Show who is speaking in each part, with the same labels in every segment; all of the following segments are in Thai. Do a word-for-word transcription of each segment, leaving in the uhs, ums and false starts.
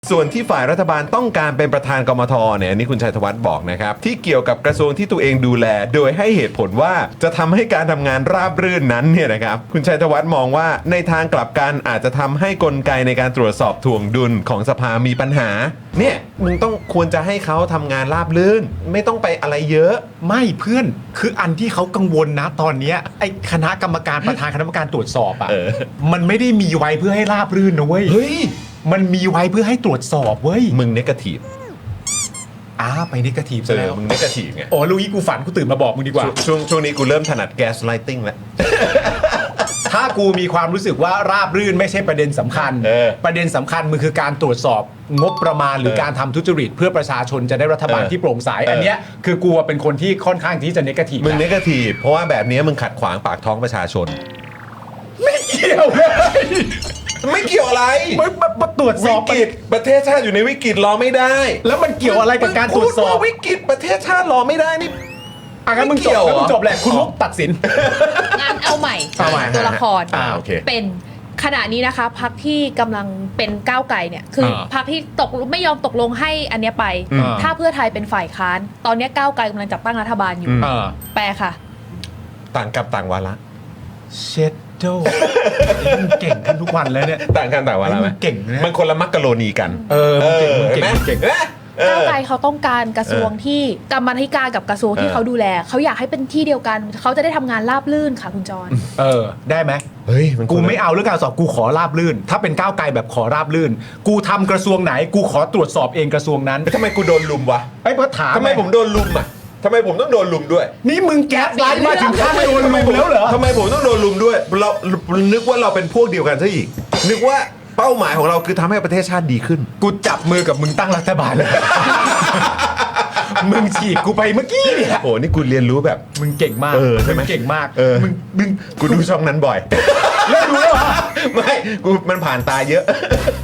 Speaker 1: ส่วนที่ฝ่ายรัฐบาลต้องการเป็นประธานกมทเนี่ยอันนี้คุณชัยธวัฒน์บอกนะครับที่เกี่ยวกับกระทรวงที่ตัวเองดูแล โดยให้เหตุผลว่าจะทำให้การทำงานราบรื่นนั้นเนี่ยนะครับคุณชัยธวัฒน์มองว่าในทางกลับกันอาจจะทำให้กลไกในการตรวจสอบถ่วงดุลของสภามีปัญหาเนี่ยมึงต้องควรจะให้เขาทำงานราบรื่นไม่ต้องไปอะไรเยอะ
Speaker 2: ไม่เพื่อนคืออันที่เขากังวลนะตอนเนี้ยไอ้คณะกรรมการประธานคณะกรรมการตรวจสอบอ่ะมันไม่ได้มีไว้เพื่อให้ราบรื่นนะเว้ย
Speaker 1: เฮ้ย
Speaker 2: มันมีไว้เพื่อให้ตรวจสอบเว้ย
Speaker 1: มึงเนกาทีฟ
Speaker 2: อ้าไปเนกาทีฟซะแล้ว
Speaker 1: มึงเนกาทีฟไง
Speaker 2: โอ้ลูกอีกูฝันกูตื่นมาบอกมึงดีกว่า
Speaker 1: ช่วงช่วงนี้กูเริ่มถนัดแก๊สไลติงแล้ว
Speaker 2: ถ้ากูมีความรู้สึกว่าราบรื่นไม่ใช่ประเด็นสำคัญประเด็นสำคัญมันคือการตรวจสอบงบประมาณหรือการทำทุจริตเพื่อประชาชนจะได้รัฐบาลที่โปร่งใสอันเนี้ยคือกูเป็นคนที่ค่อนข้างที่จะเนกาทีฟ
Speaker 1: มึงเนกาทีฟเพราะว่าแบบนี้มึงขัดขวางปากท้องประชาชน
Speaker 2: ไม่เกี่ยวเลย
Speaker 1: ไม่เกี่ยวอะไร
Speaker 2: มันมาตรวจสอบ
Speaker 1: วิกฤตประเทศชาติอยู่ในวิกฤตรอไม่ได้
Speaker 2: แล้วมันเกี่ยวอะไรกับการตรวจสอบ
Speaker 1: วิกฤตประเทศชาติรอไม่ได้นี่
Speaker 2: อ่ะงั้นมึงจบแล้วมึงจบแหละคุณมุกตัดสิน
Speaker 3: งานเอาใหม่ตัวละครเป็นขณะนี้นะคะพรรคที่กำลังเป็นก้าวไกลเนี่ยคือพรรคที่ตกไม่ยอมตกลงให้อันเนี้ยไปถ้าเพื่อไทยเป็นฝ่ายค้านตอนนี้ก้าวไกลกำลังจัดตั้งรัฐบาลอยู่แปลค่ะ
Speaker 1: ต่างกับต่างวาระ
Speaker 2: เช็ดโจ้มึงเก่งขึ้นทุกวันแล้วเนี่ย
Speaker 1: ต่างกันต่างวาระไหม
Speaker 2: เก่งนะ
Speaker 1: มันคนละมักกะโรนีกัน
Speaker 2: เออเก่งเก่งเก่ง
Speaker 3: ก้าวไกลเขาต้องการกระทรวงที่กรรมาธิการกับกระทรวงที่เขาดูแลเขาอยากให้เป็นที่เดียวกันเขาจะได้ทำงานราบรื่นค่ะคุณจร
Speaker 2: เออได้ไหม
Speaker 1: เฮ้ย
Speaker 2: กูไม่เอาเรื่องการสอบกูขอราบรื่นถ้าเป็นก้าวไกลแบบขอราบรื่นกูทำกระทรวงไหนกูขอตรวจสอบเองกระทรวงนั้น
Speaker 1: ทำไมกูโดนลุมวะ
Speaker 2: ไอ้เพราะถาม
Speaker 1: ทำไมผมโดนลุมอ่ะทำไมผมต้องโดนลุมด้วย
Speaker 2: นี่มึงแก๊สไลน์มาถึงขั้นโดนลุมแล้วเหรอ
Speaker 1: ทำไมผมต้องโดนลุมด้วยเรานึกว่าเราเป็นพวกเดียวกันซะอีกนึกว่าเป้าหมายของเราคือทำให้ประเทศชาติดีขึ้น
Speaker 2: กูจับมือกับมึงตั้งรัฐบาลเลยมึงฉีกกูไปเมื่อกี้เนี่ย
Speaker 1: โอ้นี่กูเรียนรู้แบบ
Speaker 2: มึงเก่งมาก
Speaker 1: เออใช่ไหม
Speaker 2: เก่งมาก
Speaker 1: เออ
Speaker 2: มึงมึง
Speaker 1: กูดูช่องนั้นบ่อย
Speaker 2: แล้วรู้เหรอ
Speaker 1: ไม่กูมันผ่านตาเยอะ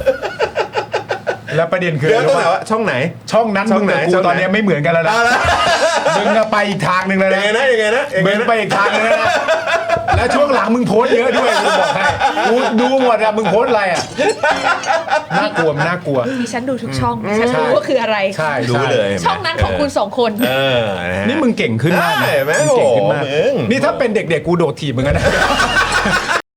Speaker 2: แล้วประเด็นคือ
Speaker 1: เดี๋ยวต้องถามว่าช่องไหน
Speaker 2: ช่องนั้นมึงกับกูตอนนี้ไม่เหมือนกันแล้วนะมึงไปอีกทางหนึ่งเลยนะ
Speaker 1: ยังไงนะยังไงนะ
Speaker 2: มึงไปอีกทางนึงนะแล้วช่วงหลังมึงโพสเยอะด้วยกูบอกให้กูดูหมดอะมึงโพสอะไรอะน่ากลัวน่ากลัว
Speaker 3: ดิฉันดูทุกช่องฉันรู้ว่าคืออะไร
Speaker 2: ใช่
Speaker 1: รู้เลย
Speaker 3: ช่องนั้นของคุณสองคน
Speaker 2: นี่มึงเก่งขึ้นมาก
Speaker 1: มึง
Speaker 2: เก่งขึ้นมากนี่ถ้าเป็นเด็กๆกูโดดถีบมึงกันนะ